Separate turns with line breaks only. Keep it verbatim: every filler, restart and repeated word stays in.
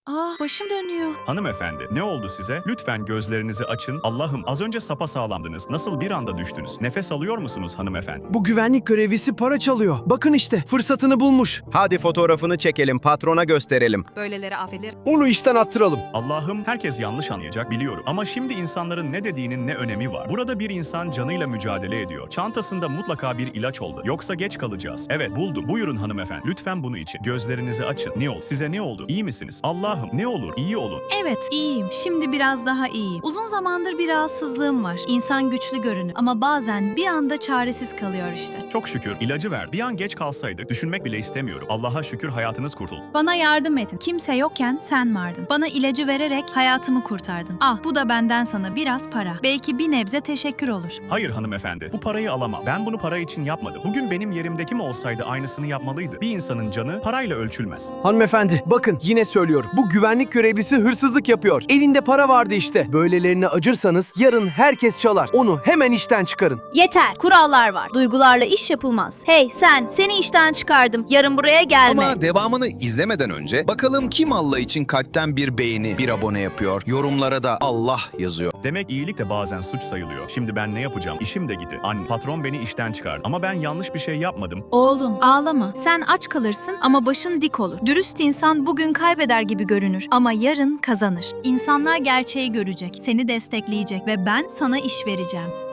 Ah, başım dönüyor.
Hanımefendi, ne oldu size? Lütfen gözlerinizi açın. Allah'ım, az önce sapasağlamdınız. Nasıl bir anda düştünüz? Nefes alıyor musunuz hanımefendi?
Bu güvenlik görevlisi para çalıyor. Bakın işte fırsatını bulmuş.
Hadi fotoğrafını çekelim, patrona gösterelim.
Böyleleri affedilir.
Onu işten attıralım.
Allah'ım, herkes yanlış anlayacak biliyorum. Ama şimdi insanların ne dediğinin ne önemi var? Burada bir insan canıyla mücadele ediyor. Çantasında mutlaka bir ilaç oldu. Yoksa geç kalacağız. Evet, buldum. Buyurun hanımefendi. Lütfen bunu için. Gözlerinizi açın. Ne oldu? Size ne oldu? İyi misiniz? Allah'ım, ne olur? İyi olun.
Evet, iyiyim. Şimdi biraz daha iyiyim. Uzun zamandır bir rahatsızlığım var. İnsan güçlü görünür ama bazen bir anda çaresiz kalıyor işte.
Çok şükür ilacı ver. Bir an geç kalsaydık düşünmek bile istemiyorum. Allah'a şükür hayatınız kurtuldu.
Bana yardım edin. Kimse yokken sen vardın. Bana ilacı vererek hayatımı kurtardın. Ah, bu da benden sana biraz para. Belki bir nebze teşekkür olur.
Hayır hanımefendi, bu parayı alamam. Ben bunu para için yapmadım. Bugün benim yerimde kim olsaydı aynısını yapmalıydı. Bir insanın canı parayla ölçülmez.
Hanımefendi bakın yine söylüyorum. Bu güvenlik görevlisi hırsızlık yapıyor. Elinde para vardı işte. Böylelerine acırsanız yarın herkes çalar. Onu hemen işten çıkarın.
Yeter, kurallar var. Duygularla iş yapılmaz. Hey sen, seni işten çıkardım. Yarın buraya gelme.
Ama devamını izlemeden önce bakalım kim Allah için kalpten bir beğeni, bir abone yapıyor. Yorumlara da Allah yazıyor.
Demek iyilik de bazen suç sayılıyor. Şimdi ben ne yapacağım? İşim de gitti. Anne, patron beni işten çıkardı. Ama ben yanlış bir şey yapmadım.
Oğlum, ağlama. Sen aç kalırsın ama başın dik olur. Dürüst insan bugün kaybeder gibi görünür ama yarın kazanır. İnsanlar gerçeği görecek, seni destekleyecek ve ben sana iş vereceğim.